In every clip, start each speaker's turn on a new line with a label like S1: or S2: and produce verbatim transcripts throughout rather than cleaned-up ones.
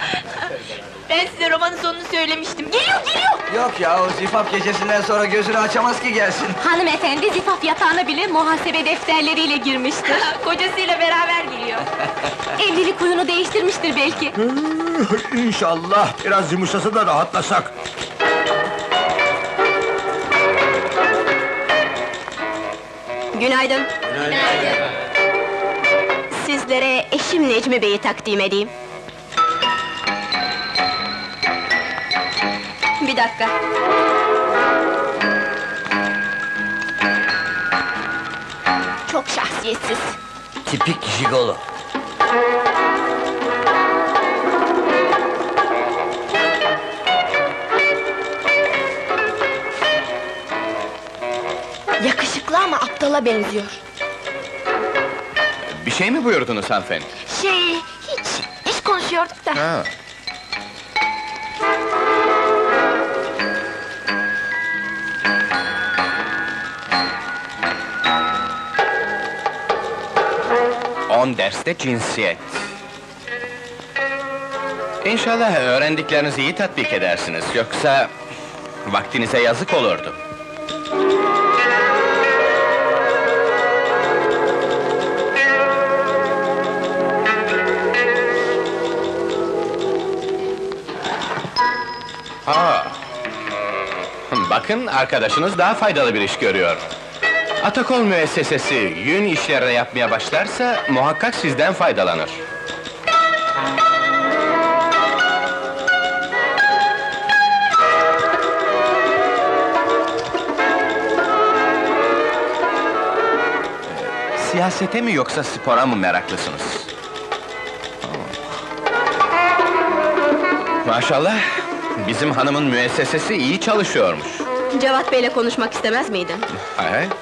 S1: Ben size romanın sonunu söylemiştim. Geliyor, geliyor!
S2: Yok ya, o zifaf gecesinden sonra gözünü açamaz ki gelsin.
S3: Hanımefendi zifaf yatağına bile muhasebe defterleriyle girmiştir.
S1: Kocasıyla beraber geliyor.
S3: Evlilik huyunu değiştirmiştir belki.
S4: İnşallah biraz yumuşasa da rahatlasak.
S1: Günaydın.
S4: Günaydın.
S1: Sizlere eşim Necmi Bey'i takdim edeyim. Bir dakika. Çok şahsiyetsiz.
S2: Tipik jigolo.
S1: Yakışıklı ama aptala benziyor.
S5: Bir şey mi buyurdunuz hanımefendi?
S1: Şey, hiç, iş konuşuyorduk da.
S5: Ha. On derste cinsiyet. İnşallah öğrendiklerinizi iyi tatbik edersiniz, yoksa vaktinize yazık olurdu. Ha. Bakın, arkadaşınız daha faydalı bir iş görüyor. Atakol müessesesi yün işleri yapmaya başlarsa muhakkak sizden faydalanır. Siyasete mi yoksa spora mı meraklısınız? Maşallah, bizim hanımın müessesesi iyi çalışıyormuş.
S1: Cevat Bey'le konuşmak istemez miydin?
S5: Hay hay.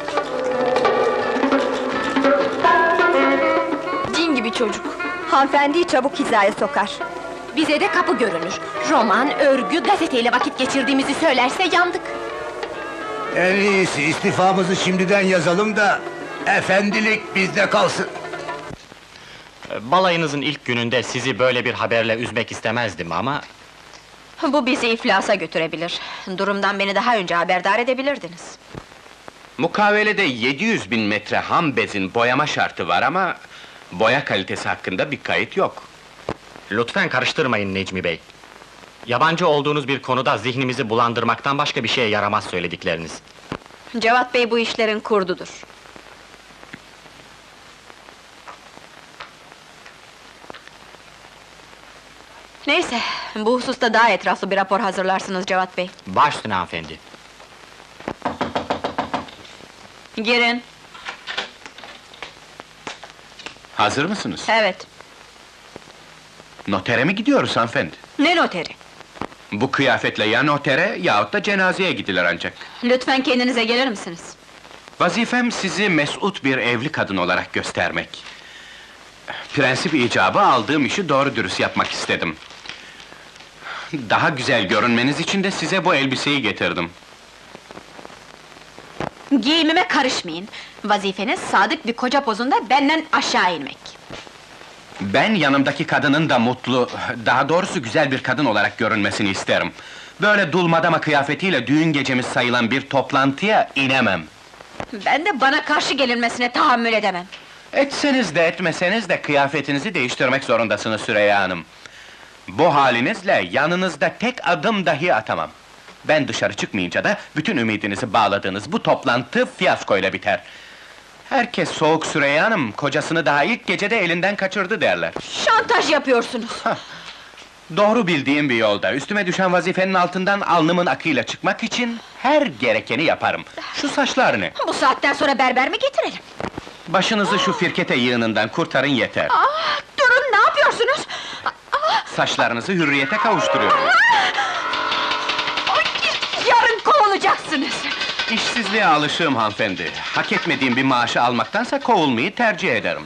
S1: Cin gibi çocuk. Hanımefendiyi çabuk hizaya sokar.
S3: Bize de kapı görünür. Roman, örgü, gazeteyle vakit geçirdiğimizi söylerse yandık.
S4: En iyisi istifamızı şimdiden yazalım da efendilik bizde kalsın.
S6: Balayınızın ilk gününde sizi böyle bir haberle üzmek istemezdim ama...
S1: Bu bizi iflasa götürebilir. Durumdan beni daha önce haberdar edebilirdiniz.
S5: Mukavelede yedi yüz bin metre ham bezin boyama şartı var ama... boya kalitesi hakkında bir kayıt yok.
S6: Lütfen karıştırmayın Necmi Bey. Yabancı olduğunuz bir konuda zihnimizi bulandırmaktan başka bir şeye yaramaz söyledikleriniz.
S1: Cevat Bey bu işlerin kurdudur. Neyse, bu hususta daha etraflı bir rapor hazırlarsınız Cevat Bey.
S6: Baş üstüne hanımefendi.
S1: Girin.
S5: Hazır mısınız?
S1: Evet.
S5: Notere mi gidiyoruz hanımefendi?
S1: Ne noteri?
S5: Bu kıyafetle ya notere yahut da cenazeye gidilir ancak.
S1: Lütfen kendinize gelir misiniz?
S5: Vazifem sizi mesut bir evli kadın olarak göstermek. Prensip icabı aldığım işi doğru dürüst yapmak istedim. Daha güzel görünmeniz için de size bu elbiseyi getirdim.
S1: Giyimime karışmayın. Vazifeniz sadık bir koca pozunda benden aşağı inmek.
S5: Ben yanımdaki kadının da mutlu, daha doğrusu güzel bir kadın olarak görünmesini isterim. Böyle dulmadama kıyafetiyle düğün gecemiz sayılan bir toplantıya inemem.
S1: Ben de bana karşı gelinmesine tahammül edemem.
S5: Etseniz de etmeseniz de kıyafetinizi değiştirmek zorundasınız Süreyya Hanım. Bu halinizle yanınızda tek adım dahi atamam. Ben dışarı çıkmayınca da bütün ümidinizi bağladığınız bu toplantı fiyaskoyla biter. Herkes soğuk Süreyya Hanım, kocasını daha ilk gecede elinden kaçırdı derler.
S1: Şantaj yapıyorsunuz!
S5: Doğru bildiğim bir yolda, üstüme düşen vazifenin altından alnımın akıyla çıkmak için her gerekeni yaparım. Şu saçlar ne?
S1: Bu saatten sonra berber mi getirelim?
S5: Başınızı şu firkete yığınından kurtarın yeter.
S1: Ah, durun, ne yapıyorsunuz?
S5: Saçlarınızı hürriyete kavuşturuyorum.
S1: Ay, yarın kovulacaksınız!
S5: İşsizliğe alışığım hanımefendi. Hak etmediğim bir maaşı almaktansa kovulmayı tercih ederim.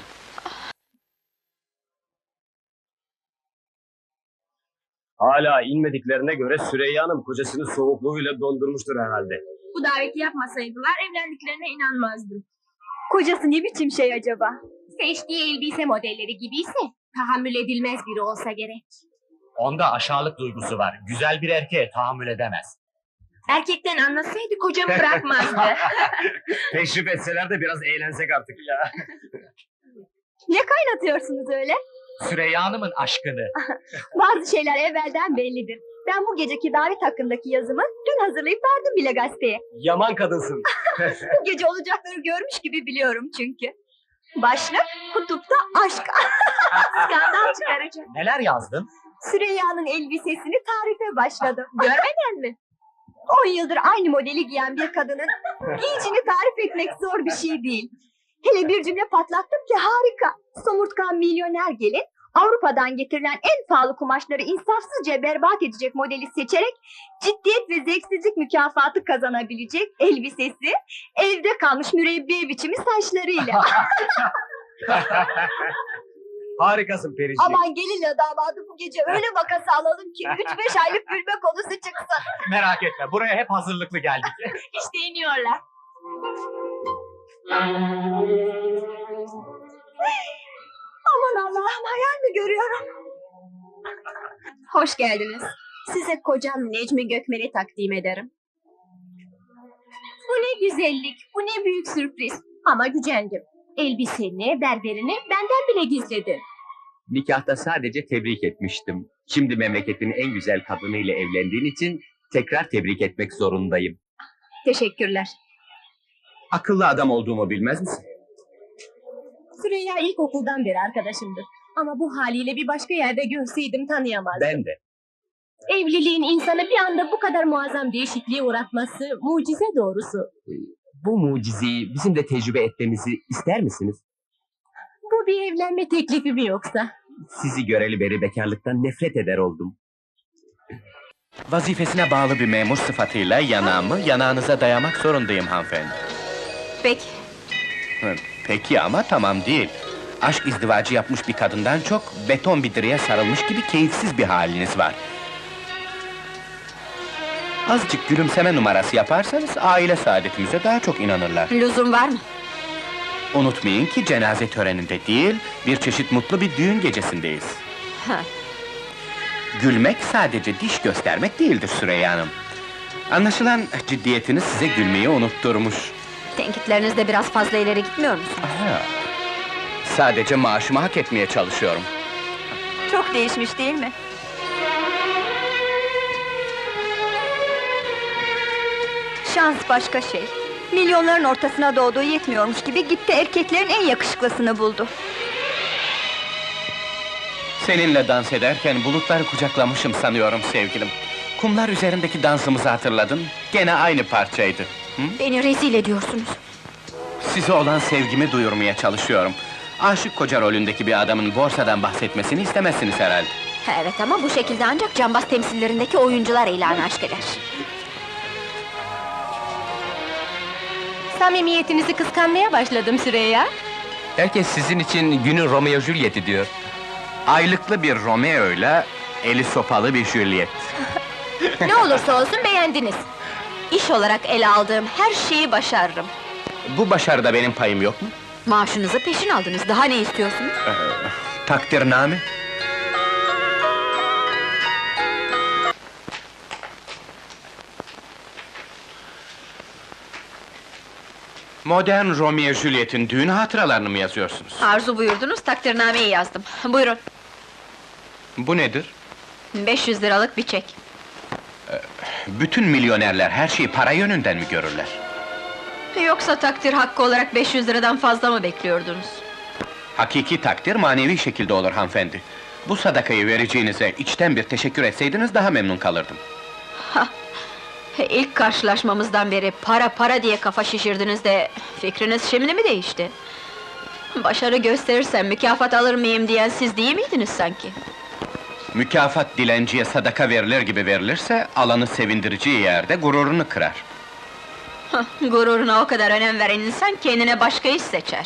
S7: Hala inmediklerine göre Süreyya Hanım kocasını soğukluğuyla dondurmuştur herhalde.
S8: Bu daveti yapmasaydılar evlendiklerine inanmazdım. Kocası ne biçim şey acaba? Seçtiği elbise modelleri gibiyse tahammül edilmez biri olsa gerek.
S6: Onda aşağılık duygusu var. Güzel bir erkeğe tahammül edemez.
S8: Erkekten anlasaydı kocamı bırakmazdı.
S7: Teşrif etseler de biraz eğlensek artık ya.
S9: Ne kaynatıyorsunuz öyle?
S6: Süreyya Hanım'ın aşkını.
S9: Bazı şeyler evvelden bellidir. Ben bu geceki davet hakkındaki yazımı dün hazırlayıp verdim bile gazeteye.
S7: Yaman kadınsın.
S9: Bu gece olacakları görmüş gibi biliyorum çünkü. Başlık kutupta aşk.
S8: Skandal çıkaracak.
S6: Neler yazdın?
S9: Süreyya'nın elbisesini tarife başladım. Görmeden mi? On yıldır aynı modeli giyen bir kadının giyicini tarif etmek zor bir şey değil. Hele bir cümle patlattım ki harika. Somurtkan milyoner gelin Avrupa'dan getirilen en pahalı kumaşları insafsızca berbat edecek modeli seçerek ciddiyet ve zevksizlik mükafatı kazanabilecek elbisesi, evde kalmış mürebbiye biçimi saçlarıyla.
S7: Harikasın Periciğim.
S9: Aman gelinle damadı bu gece öyle vakası alalım ki üç beş aylık gülme konusu çıksın.
S6: Merak etme, buraya hep hazırlıklı geldik.
S8: İşte iniyorlar.
S9: Aman Allah'ım hayal mi görüyorum? Hoş geldiniz. Size kocam Necmi Gökmen'i takdim ederim. Bu ne güzellik, bu ne büyük sürpriz. Ama gücendim. Elbiseni, berberini benden bile gizledi.
S10: Nikahta sadece tebrik etmiştim. Şimdi memleketin en güzel kadınıyla evlendiğin için tekrar tebrik etmek zorundayım.
S9: Teşekkürler.
S10: Akıllı adam olduğumu bilmez misin?
S3: Süreyya ilkokuldan beri arkadaşımdır. Ama bu haliyle bir başka yerde görseydim tanıyamazdım.
S10: Ben de.
S3: Evliliğin insanı bir anda bu kadar muazzam değişikliğe uğratması mucize doğrusu.
S10: Bu mucizeyi bizim de tecrübe etmemizi ister misiniz?
S3: Bu bir evlenme teklifi mi yoksa?
S10: Sizi göreli beri bekarlıktan nefret eder oldum.
S5: Vazifesine bağlı bir memur sıfatıyla yanağımı yanağınıza dayamak zorundayım hanımefendi.
S1: Peki,
S5: Hı, Peki ama tamam değil. Aşk izdivacı yapmış bir kadından çok beton bir direğe sarılmış gibi keyifsiz bir haliniz var. Azıcık gülümseme numarası yaparsanız aile saadetimize daha çok inanırlar.
S1: lüzum var mı?
S5: Unutmayın ki cenaze töreninde değil, bir çeşit mutlu bir düğün gecesindeyiz.
S1: Ha.
S5: Gülmek sadece diş göstermek değildir Süreyya Hanım. Anlaşılan ciddiyetiniz size gülmeyi unutturmuş.
S1: Tenkitleriniz de biraz fazla ileri gitmiyor musun?
S5: Aha. Sadece maaşımı hak etmeye çalışıyorum.
S1: Çok değişmiş değil mi? Şans başka şey. Milyonların ortasına doğduğu yetmiyormuş gibi gitti erkeklerin en yakışıklısını buldu.
S5: Seninle dans ederken bulutları kucaklamışım sanıyorum sevgilim. Kumlar üzerindeki dansımızı hatırladın, gene aynı parçaydı. Hı?
S1: Beni rezil ediyorsunuz.
S5: Size olan sevgimi duyurmaya çalışıyorum. Aşık koca rolündeki bir adamın borsadan bahsetmesini istemezsiniz herhalde.
S1: Evet ama bu şekilde ancak cambaz temsillerindeki oyuncular ilan aşk eder.
S3: Samimiyetinizi kıskanmaya başladım Süreyya.
S10: Herkes sizin için günün Romeo Juliet'i diyor.
S5: Aylıklı bir Romeo'yla eli sopalı bir Juliet.
S3: Ne olursa olsun beğendiniz.
S1: İş olarak ele aldığım her şeyi başarırım.
S5: Bu başarıda benim payım yok mu?
S1: Maaşınızı peşin aldınız, daha ne istiyorsunuz?
S5: Takdirname. Modern Romeo Juliet'in düğün hatıralarını mı yazıyorsunuz?
S1: Arzu buyurdunuz, takdirnameyi yazdım. Buyurun,
S5: Bu nedir?
S1: beş yüz liralık bir çek.
S5: Bütün milyonerler her şeyi para yönünden mi görürler?
S1: Yoksa takdir hakkı olarak beş yüz liradan fazla mı bekliyordunuz?
S5: Hakiki takdir manevi şekilde olur hanımefendi. Bu sadakayı vereceğinize içten bir teşekkür etseydiniz daha memnun kalırdım.
S1: İlk karşılaşmamızdan beri para para diye kafa şişirdiniz de fikriniz şimdi mi değişti? Başarı gösterirsem mükafat alır mıyım diyen siz değil miydiniz sanki?
S5: Mükafat dilenciye sadaka verilir gibi verilirse, alanı sevindireceği yerde gururunu kırar.
S1: Hah, gururuna o kadar önem veren insan kendine başka iş seçer.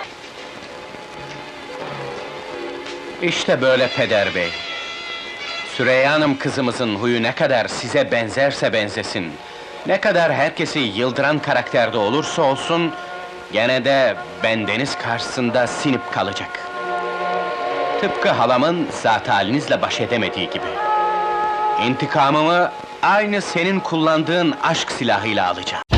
S5: İşte böyle peder bey. Süreyya Hanım kızımızın huyu ne kadar size benzerse benzesin, ne kadar herkesi yıldıran karakterde olursa olsun, gene de bendeniz karşısında sinip kalacak. Tıpkı halamın zat halinizle baş edemediği gibi. İntikamımı aynı senin kullandığın aşk silahıyla alacağım.